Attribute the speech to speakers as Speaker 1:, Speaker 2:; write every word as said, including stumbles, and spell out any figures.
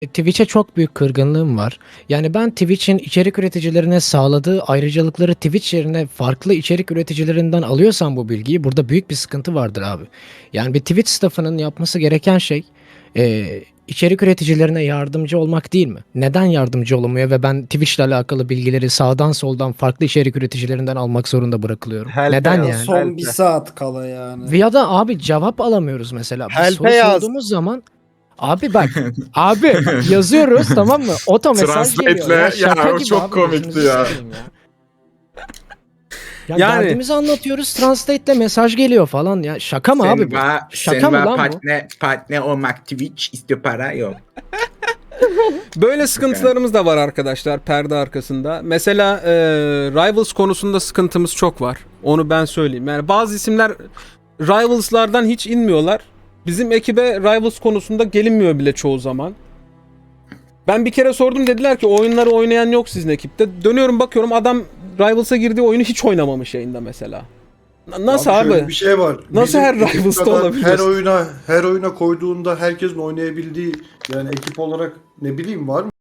Speaker 1: Twitch'e çok büyük kırgınlığım var. Yani ben Twitch'in içerik üreticilerine sağladığı ayrıcalıkları Twitch yerine farklı içerik üreticilerinden alıyorsam bu bilgiyi burada büyük bir sıkıntı vardır abi. Yani bir Twitch staffının yapması gereken şey eee, içerik üreticilerine yardımcı olmak değil mi? Neden yardımcı olamıyor ve ben Twitch'le alakalı bilgileri sağdan soldan farklı içerik üreticilerinden almak zorunda bırakılıyorum?
Speaker 2: Helpe
Speaker 1: Neden
Speaker 2: yaz,
Speaker 1: yani?
Speaker 3: Son bir
Speaker 2: helpe.
Speaker 3: saat kala yani.
Speaker 1: Ve ya da abi cevap alamıyoruz mesela. Bir
Speaker 2: Helpe
Speaker 1: soru
Speaker 2: yaz.
Speaker 1: sorduğumuz zaman abi bak abi bak yazıyoruz tamam mı? Oto mesaj geliyor.
Speaker 4: Translate'le
Speaker 1: Ya şaka
Speaker 4: ya o
Speaker 1: gibi
Speaker 4: çok
Speaker 1: abi,
Speaker 4: komikti
Speaker 1: gözünüzü
Speaker 4: ya.
Speaker 1: seveyim ya. Ya
Speaker 5: Yani-
Speaker 1: derdimizi anlatıyoruz. Translate'le mesaj geliyor falan ya. Şaka mı abi bu?
Speaker 4: Senva,
Speaker 1: Şaka mı
Speaker 4: Senva
Speaker 1: lan bu?
Speaker 4: partner, partner olmak Twitch istiyor para yok.
Speaker 5: Böyle sıkıntılarımız da var arkadaşlar perde arkasında. Mesela e, Rivals konusunda sıkıntımız çok var. Onu ben söyleyeyim. Yani bazı isimler Rivals'lardan hiç inmiyorlar. Bizim ekibe Rivals konusunda gelinmiyor bile çoğu zaman. Ben bir kere sordum, dediler ki oyunları oynayan yok sizin ekipte. Dönüyorum bakıyorum adam Rivals'a girdiği oyunu hiç oynamamış yayında mesela. N- Nasıl abi?
Speaker 6: Şöyle bir şey var.
Speaker 5: Nasıl
Speaker 6: Bizim
Speaker 5: her
Speaker 6: ekip
Speaker 5: Rivals'ta
Speaker 6: kadar
Speaker 5: olabiliyorsun?
Speaker 6: Her oyuna her oyuna koyduğunda herkesin oynayabildiği yani ekip olarak ne bileyim var mı?